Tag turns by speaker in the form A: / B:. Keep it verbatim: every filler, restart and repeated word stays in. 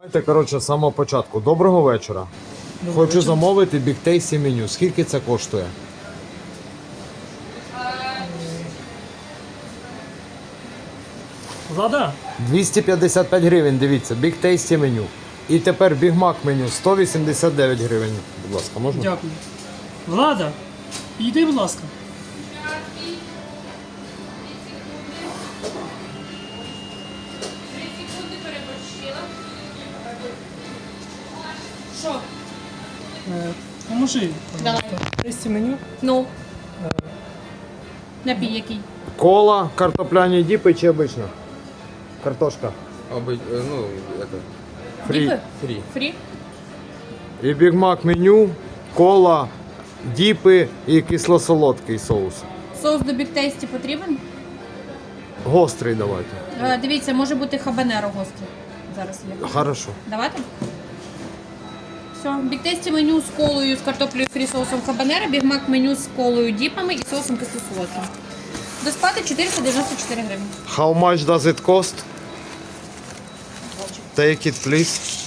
A: Давайте, коротше, з самого початку. Доброго вечора.
B: Доброго
A: Хочу
B: вечора.
A: замовити Big Tasty меню. Скільки це коштує?
B: Влада,
A: двісті п'ятдесят п'ять гривень, дивіться, Big Tasty меню. І тепер Big Mac меню сто вісімдесят дев'ять гривень. Будь ласка, можна?
B: дякую. Влада, йди, будь ласка.
C: Що?
B: Е, Поможи.
C: Давай.
B: Тесті меню.
C: Ну. Напій який?
A: Кола, картопляні діпи чи обична? Картошка.
D: Обы- э, ну, это,
A: Фрі.
C: Діпи?
D: фри.
C: Фрі?
A: І Big Mac меню, кола, діпи і кисло-солодкий соус.
C: Соус до Big Tasty потрібен?
A: Гострий давайте.
C: Е, дивіться, може бути хабанеро гострий. Зараз є.
A: Хорошо.
C: Давайте. Все. Big Tasty меню з колою, з картоплею фрі соусом хабанеро, Big Mac меню з колою, діпами і соусом кисло-солодким. До сплати чотириста дев'яносто чотири гривні.
A: How much does it cost? Take it, please.